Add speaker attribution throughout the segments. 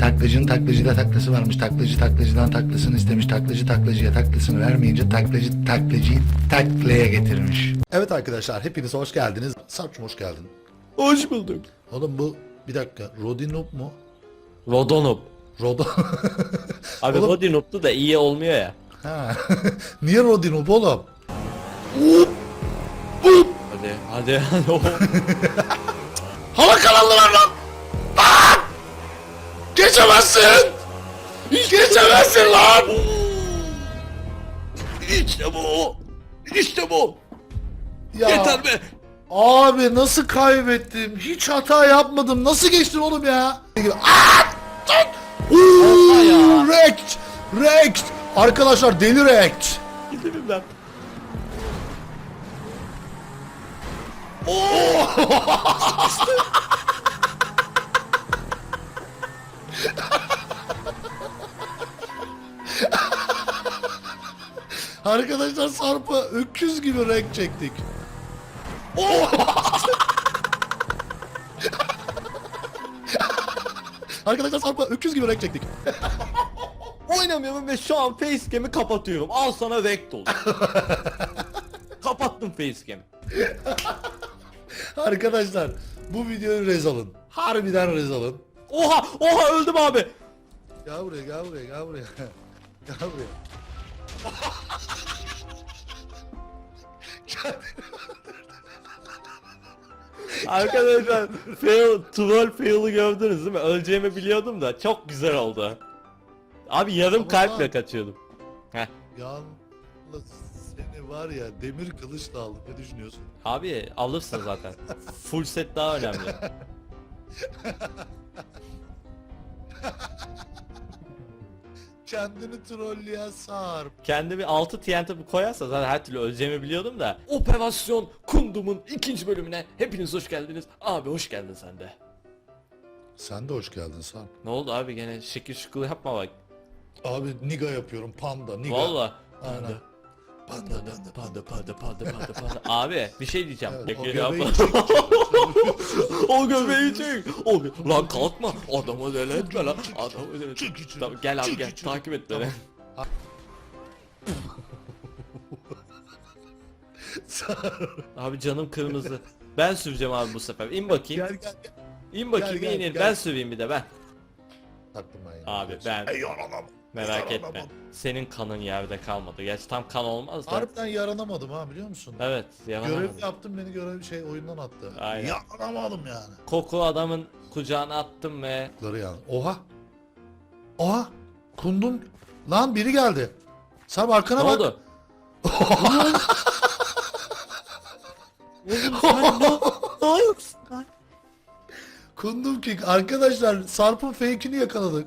Speaker 1: Taklacının taklacıda taklası varmış. Taklacı taklacıdan taklasını istemiş. Taklacı taklacıya taklasını vermeyince taklacı taklacıyı taklaya getirmiş. Evet arkadaşlar, hepiniz hoş geldiniz. Sarp'cum hoş geldin.
Speaker 2: Hoş bulduk.
Speaker 1: Oğlum bu bir dakika, Rodinop mu?
Speaker 2: Rodonop.
Speaker 1: Rodo...
Speaker 2: Abi
Speaker 1: Oğlum-
Speaker 2: Rodinop'tu da iyi olmuyor ya.
Speaker 1: Ha. Niye Rodinop oğlum?
Speaker 2: Hadi.
Speaker 1: Hava kanalları var lan! Lan! Geçemezsin! Geçemezsin lan!
Speaker 2: İşte bu. İşte bu.
Speaker 1: Ya,
Speaker 2: Yeter be.
Speaker 1: abi nasıl kaybettim? Hiç hata yapmadım. Nasıl geçtin oğlum ya? Aa! Tut! Uuu! Wrecked! Wrecked! Arkadaşlar deli wrecked!
Speaker 2: Gidelim ben.
Speaker 1: Arkadaşlar Sarp'a öküz gibi renk çektik. Arkadaşlar Sarp'a öküz gibi renk çektik.
Speaker 2: Oynamıyorum ve şu an facecam'i kapatıyorum. Al sana vector. Kapattım facecam'i.
Speaker 1: Arkadaşlar bu videoyu rez alın. Harbiden rez alın.
Speaker 2: Oha öldüm abi.
Speaker 1: Gel buraya, gel buraya, gel buraya. Gel buraya.
Speaker 2: Arkadaşlar troll fail'ı gördünüz değil mi? Öleceğimi biliyordum da çok güzel oldu. Abi yarım
Speaker 1: Ama
Speaker 2: kalple
Speaker 1: lan-
Speaker 2: kaçıyordum. Heh.
Speaker 1: Yalnız seni var ya demir kılıçla aldım. Ne düşünüyorsun?
Speaker 2: Abi alırsın zaten. Full set daha önemli.
Speaker 1: Kendini trolleyen Sarp.
Speaker 2: Kendimi 6 TNT koyarsa zaten her türlü öleceğimi biliyordum da. Operasyon Kundum'un 2. bölümüne hepiniz hoş geldiniz. Abi hoş geldin sen de.
Speaker 1: Sen de hoş geldin Sarp.
Speaker 2: Ne oldu abi gene şekil şukul yapma bak.
Speaker 1: Abi niga yapıyorum, panda niga.
Speaker 2: Valla.
Speaker 1: Aynen.
Speaker 2: Panda. Abi bir şey diyeceğim.
Speaker 1: Evet, o
Speaker 2: Şekil
Speaker 1: göbeği
Speaker 2: yapma.
Speaker 1: çek.
Speaker 2: O göbeği çek. Lan kalkma. Adamı deli etme lan. Adamı deli etme.
Speaker 1: Çık içeri.
Speaker 2: Tamam, gel abi
Speaker 1: Çık
Speaker 2: gel.
Speaker 1: içeri.
Speaker 2: Takip et beni.
Speaker 1: Sarp.
Speaker 2: Abi canım kırmızı. Ben süreceğim abi bu sefer. İn bakayım.
Speaker 1: Gel.
Speaker 2: İn bakayım
Speaker 1: gel,
Speaker 2: in.
Speaker 1: gel.
Speaker 2: Ben süreyim bir de ben.
Speaker 1: Taktım ben ya.
Speaker 2: Abi ben
Speaker 1: yaranamadım.
Speaker 2: merak etme.
Speaker 1: Yaranamadım.
Speaker 2: Senin kanın yerde kalmadı. Gerçi tam kan olmaz da.
Speaker 1: Harbiden yaranamadım ha, biliyor musun?
Speaker 2: Evet
Speaker 1: Görev
Speaker 2: yalanamadım.
Speaker 1: yaptım, beni oyundan attı.
Speaker 2: Aynen.
Speaker 1: Yaranamadım yani.
Speaker 2: Koku adamın kucağına attım ve
Speaker 1: Ları yani. Oha. Oha. Kundum. Lan biri geldi. Sarp arkana
Speaker 2: ne
Speaker 1: bak.
Speaker 2: oldu? Oğlum sen ne yoksun lan?
Speaker 1: Kundum King. Arkadaşlar Sarp'ın fake'ini yakaladık.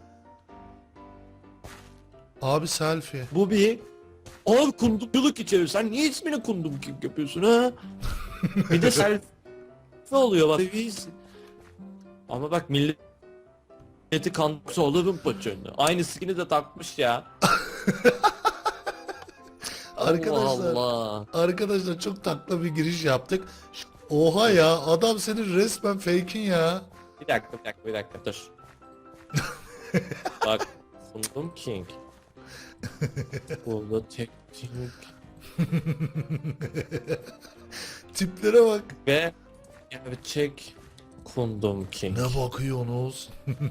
Speaker 1: Abi selfie.
Speaker 2: Bu bir abi kundumculuk içerir. Sen niye ismini kundum kim yapıyorsun ha? Bir de selfie oluyor bak. Ama bak milleti kandıksa olurum paçönü. Aynı skin'i de takmış ya.
Speaker 1: Arkadaşlar.
Speaker 2: Allah.
Speaker 1: Arkadaşlar çok takla bir giriş yaptık. Oha ya, adam senin resmen fake'in ya.
Speaker 2: Bir dakika dur. Bak Kundum King. Burada tek King
Speaker 1: Tiplere bak.
Speaker 2: ve gerçek Kundum King.
Speaker 1: Ne bakıyorsunuz?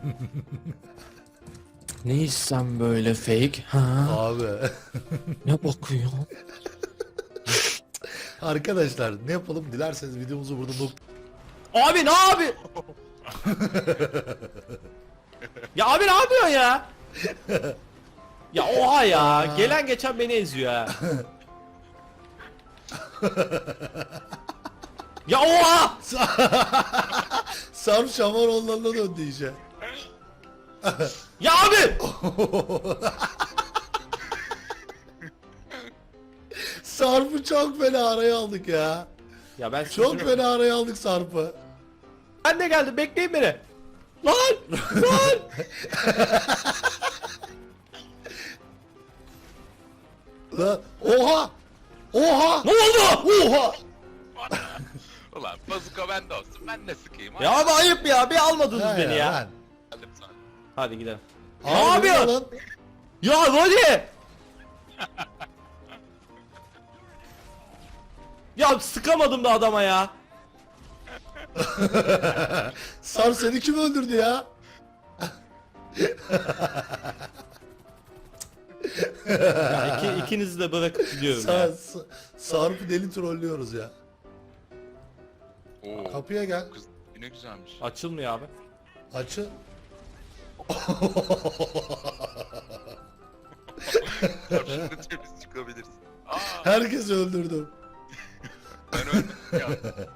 Speaker 2: Ne isem böyle fake ha?
Speaker 1: Abi.
Speaker 2: Ne bakıyor?
Speaker 1: Arkadaşlar ne yapalım, dilerseniz videomuzu burada
Speaker 2: Abi ne abi? Ya abi ne yapıyorsun ya? Ya oha ya. Gelen geçen beni eziyor ha. Ya oha!
Speaker 1: Sarp Şamaroğulları'na döndü iyice.
Speaker 2: Ya abi!
Speaker 1: Sarp'ı çok fena araya aldık ya.
Speaker 2: Ya ben
Speaker 1: Çok fena araya aldık Sarp'ı.
Speaker 2: Ben de geldim bekleyin beni. Lan! Lan!
Speaker 1: Oha! Oha!
Speaker 2: Ne oldu?
Speaker 1: Oha!
Speaker 3: Ulan bazuka bende olsun, ben de sıkayım.
Speaker 2: Ya abi ayıp ya bir almadınız
Speaker 1: Ha
Speaker 2: beni ya.
Speaker 1: ben.
Speaker 3: Geldim sana.
Speaker 2: Hadi gidelim.
Speaker 1: Abi,
Speaker 2: Ne yapıyorsun?
Speaker 1: lan?
Speaker 2: Ya Rodi! Ya sıkamadım da adama ya.
Speaker 1: Sarp seni kim öldürdü ya?
Speaker 2: Ya ikinizi de bırakıp gidiyorum ya.
Speaker 1: Sarp'ı deli trollüyoruz ya.
Speaker 3: Oo.
Speaker 1: Kapıya gel.
Speaker 3: Kız yine güzelmiş.
Speaker 2: Açılmıyor abi.
Speaker 1: Açı.
Speaker 3: Şimdi temiz çıkabilirsin. Aa,
Speaker 1: Herkesi öldürdüm.
Speaker 3: ben ölmedim ya.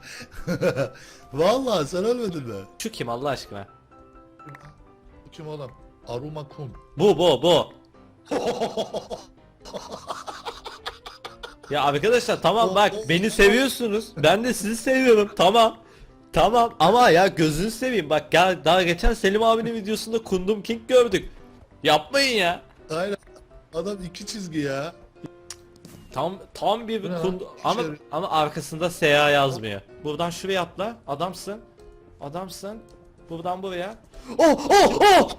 Speaker 1: Vallahi sen ölmedin mi?
Speaker 2: Şu kim Allah aşkına?
Speaker 1: Kim oğlum? Aruma Kun.
Speaker 2: Bu. Ya arkadaşlar tamam bak beni seviyorsunuz. Ben de sizi seviyorum. Tamam. Tamam ama ya gözünü seveyim bak ya daha geçen Selim abinin videosunda Kundum King gördük. Yapmayın ya.
Speaker 1: Aynen. Adam iki çizgi ya.
Speaker 2: Tam bir
Speaker 1: Bu ne lan?
Speaker 2: kundu ama arkasında SA yazmıyor. Buradan şuraya atla. Adamsın. Adamsın. Buradan buraya. Oh!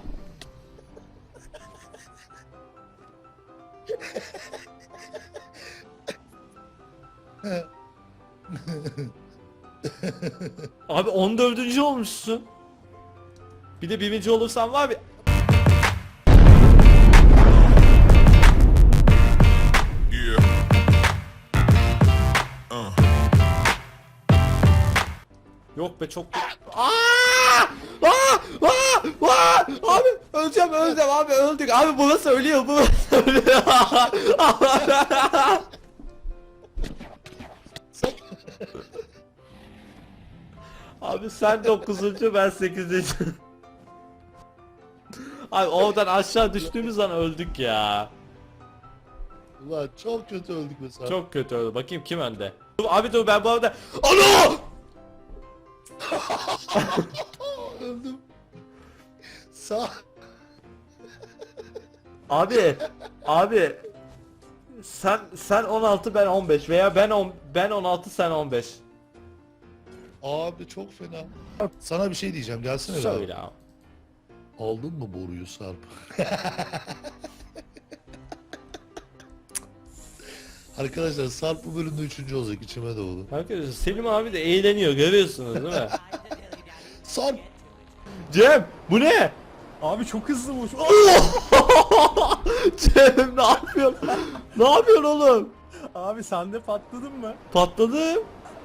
Speaker 2: Abi 14. olmuşsun. Bir de birinci olursan var bir.
Speaker 3: Yeah.
Speaker 2: Yok be çok. Abi öleceğim abi öldük abi burası ölüyor Abi sen 9. ben 8. Abi oradan aşağı düştüğümüz an öldük ya.
Speaker 1: Ulan çok kötü öldük mesela.
Speaker 2: Çok kötü oldu. Bakayım kim önde. Abi dur ben bu arada. Alo!
Speaker 1: Öldüm. Sağ.
Speaker 2: Abi sen 16 ben 15 veya ben 16 sen 15.
Speaker 1: Abi çok fena. Sana bir şey diyeceğim. Gelsene bir
Speaker 2: Söyle
Speaker 1: abi.
Speaker 2: abi.
Speaker 1: Aldın mı boruyu Sarp? Arkadaşlar Sarp bu bölümde 3. olacak, içime doğdu.
Speaker 2: Arkadaşlar Selim abi de eğleniyor görüyorsunuz değil mi?
Speaker 1: Sarp!
Speaker 2: Cem bu ne?
Speaker 4: Abi çok hızlı vuruş.
Speaker 2: Cem ne yapıyorsun? Ne yapıyorsun oğlum?
Speaker 4: Abi sen de patladın mı?
Speaker 2: Patladım.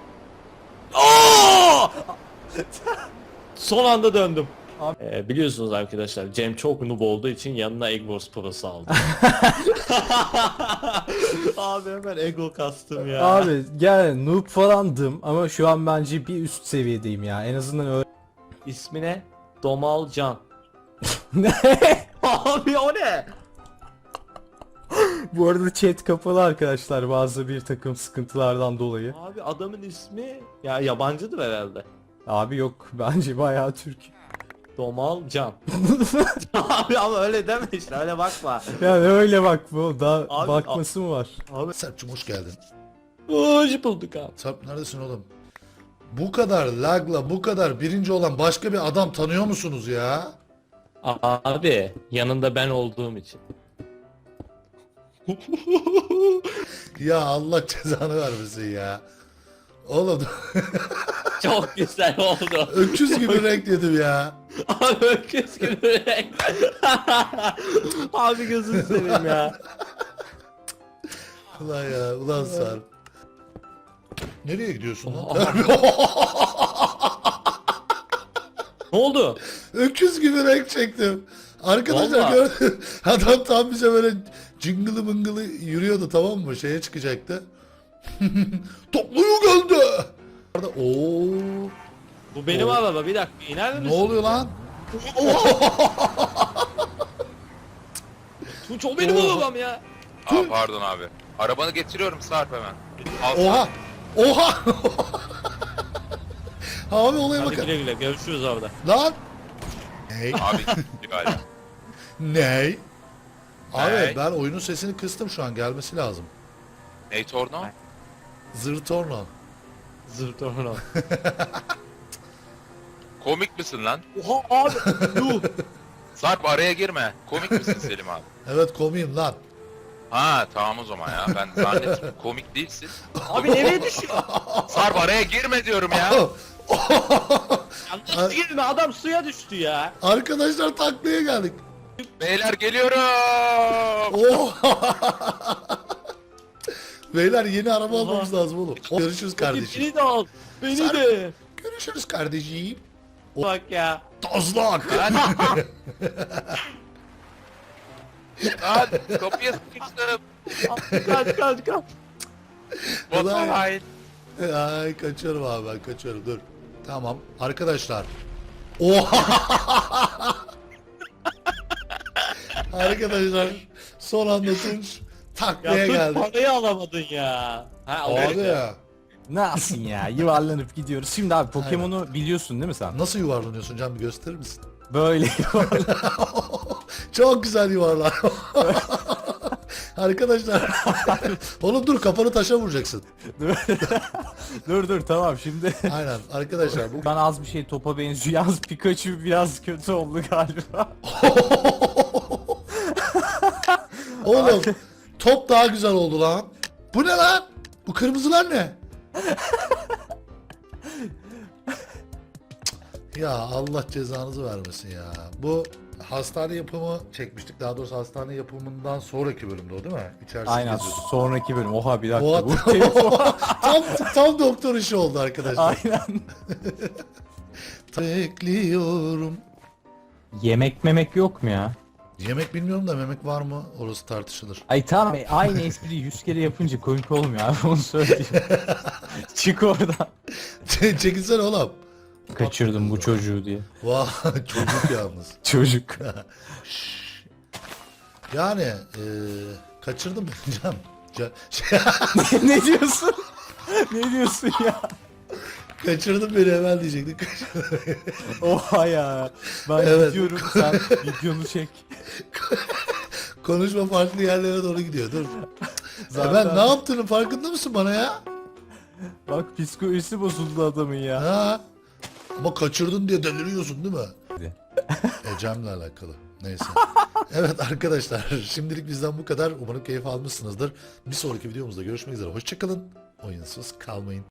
Speaker 2: Aa! Son anda döndüm. Biliyorsunuz arkadaşlar Cem çok noob olduğu için yanına Egg Wars Pro'su aldı. Abi hemen ego kastım ya.
Speaker 4: Abi gel noob falandım ama şu an bence bir üst seviyedeyim ya. En azından öyle.
Speaker 2: İsmi ne? Domal Can.
Speaker 4: Ne?
Speaker 2: Abi o ne?
Speaker 4: Bu arada chat kapalı arkadaşlar bazı bir takım sıkıntılardan dolayı.
Speaker 2: Abi adamın ismi ya yabancıdır herhalde.
Speaker 4: Abi yok bence bayağı Türk.
Speaker 2: Domal Can. Abi ama öyle deme işte öyle bakma.
Speaker 4: Yani öyle bak bu da
Speaker 2: Abi,
Speaker 4: bakması mı var?
Speaker 2: Abi
Speaker 1: Sarp'cım hoş geldin.
Speaker 2: hoş bulduk abi.
Speaker 1: Sarp neredesin oğlum? Bu kadar lagla bu kadar birinci olan başka bir adam tanıyor musunuz ya?
Speaker 2: Abi yanında ben olduğum için.
Speaker 1: Ya Allah cezanı vermesin ya. Oğlum
Speaker 2: Çok güzel oldu.
Speaker 1: öküz gibi renk yedim ya.
Speaker 2: Abi öküz gibi renk. Abi gözünü seveyim ya.
Speaker 1: Ulan ya ulan Sarp. Nereye gidiyorsun lan?
Speaker 2: Ne oldu?
Speaker 1: Öküz gibi renk çektim. Arkadaşlar
Speaker 2: Vallahi.
Speaker 1: gördün. Adam tam bize böyle cıngılı mıngılı yürüyordu, tamam mı? Şeye çıkacaktı. Topluyu geldi. Oo,
Speaker 2: Bu benim araba bir dakika iner
Speaker 1: ne
Speaker 2: misin?
Speaker 1: oluyor lan?
Speaker 2: Tunç o benim arabam ya.
Speaker 3: Aa, pardon abi. Arabanı getiriyorum Sarp hemen. Al
Speaker 1: Oha! Oha! Abi olaya
Speaker 2: Hadi
Speaker 1: bakın.
Speaker 2: güle güle görüşürüz orada.
Speaker 1: Lan! Ney?
Speaker 3: Abi galiba.
Speaker 1: Ney? Abi
Speaker 3: Ney?
Speaker 1: ben oyunun sesini kıstım, şu an gelmesi lazım.
Speaker 3: Ney Torno?
Speaker 1: Zırtorno.
Speaker 2: Zırt orman.
Speaker 3: Komik misin lan?
Speaker 2: Oha abi. Yuh.
Speaker 3: Sarp araya girme. Komik misin Selim abi?
Speaker 1: Evet komiyim lan.
Speaker 3: Ha tamam o zaman ya. Ben zannettim komik değilsin.
Speaker 2: Abi nereye düşüyor?
Speaker 3: Sarp araya girme diyorum ya.
Speaker 2: Ya nasıl girme, adam suya düştü ya.
Speaker 1: Arkadaşlar taklaya geldik.
Speaker 3: Beyler geliyorum.
Speaker 1: Oh! Beyler yeni araba almamız lazım oğlum. Görüşürüz kardeşim.
Speaker 2: Beni de al. Beni
Speaker 1: Sarp.
Speaker 2: de.
Speaker 1: Görüşürüz kardeşim.
Speaker 2: Bak ya.
Speaker 1: Tazlak.
Speaker 3: Lan. Lan kapıya sıkıştım.
Speaker 2: Kaç.
Speaker 3: Vatan hain.
Speaker 1: Ay kaçıyorum abi ben kaçıyorum dur. Tamam arkadaşlar. Oha! Arkadaşlar son anda Tunç taklaya
Speaker 2: Ya dur,
Speaker 1: geldi.
Speaker 2: parayı alamadın ya. Ha,
Speaker 1: Abi
Speaker 2: alırız
Speaker 1: ya.
Speaker 4: Ne yapsın ya? Yuvarlanıp gidiyoruz. Şimdi abi Pokemon'u biliyorsun değil mi sen?
Speaker 1: Nasıl yuvarlanıyorsun Can bir gösterir misin?
Speaker 4: Böyle yuvarlan.
Speaker 1: Çok güzel yuvarlan. Arkadaşlar. Oğlum dur kafanı taşa vuracaksın.
Speaker 4: dur tamam şimdi.
Speaker 1: Aynen arkadaşlar bu.
Speaker 4: Ben az bir şey topa benziyor. Yalnız Pikachu biraz kötü oldu galiba.
Speaker 1: Oğlum top daha güzel oldu lan. Bu ne lan? Bu kırmızılar ne? Ya Allah cezanızı vermesin ya. Bu hastane yapımı çekmiştik. Daha doğrusu hastane yapımından sonraki bölümde o değil mi? İçerisi
Speaker 4: Aynen
Speaker 1: geziyorduk.
Speaker 4: sonraki bölüm. Oha bir dakika.
Speaker 1: Oha,
Speaker 4: Bu telefon.
Speaker 1: tam doktor işi oldu arkadaşlar.
Speaker 4: Aynen.
Speaker 1: Bekliyorum.
Speaker 4: Yemek memek yok mu ya?
Speaker 1: Yemek bilmiyorum da memek var mı? Orası tartışılır.
Speaker 4: Ay tamam aynı espriyi 100 kere yapınca komik olmuyor abi onu söyleyeyim. Çık oradan.
Speaker 1: Çekilsene oğlum.
Speaker 4: Kaçırdım bu çocuğu diye.
Speaker 1: Vah çocuk yalnız.
Speaker 4: Çocuk.
Speaker 1: Yani kaçırdım ben Can.
Speaker 4: Ne diyorsun? Ne diyorsun ya?
Speaker 1: Kaçırdım beni hemen diyecektik.
Speaker 4: Oha ya. Ben
Speaker 1: Evet.
Speaker 4: gidiyorum sen videonu çek.
Speaker 1: Konuşma farklı yerlere doğru gidiyor. Dur.
Speaker 4: Zaten-
Speaker 1: Ben ne yaptığının farkında mısın bana ya?
Speaker 4: Bak psikolojisi bozuldu adamın ya.
Speaker 1: Ha? Ama kaçırdın diye deliriyorsun değil mi? Ecem'le alakalı. Neyse. Evet arkadaşlar şimdilik bizden bu kadar. Umarım keyif almışsınızdır. Bir sonraki videomuzda görüşmek üzere. Hoşçakalın. Oyunsuz kalmayın.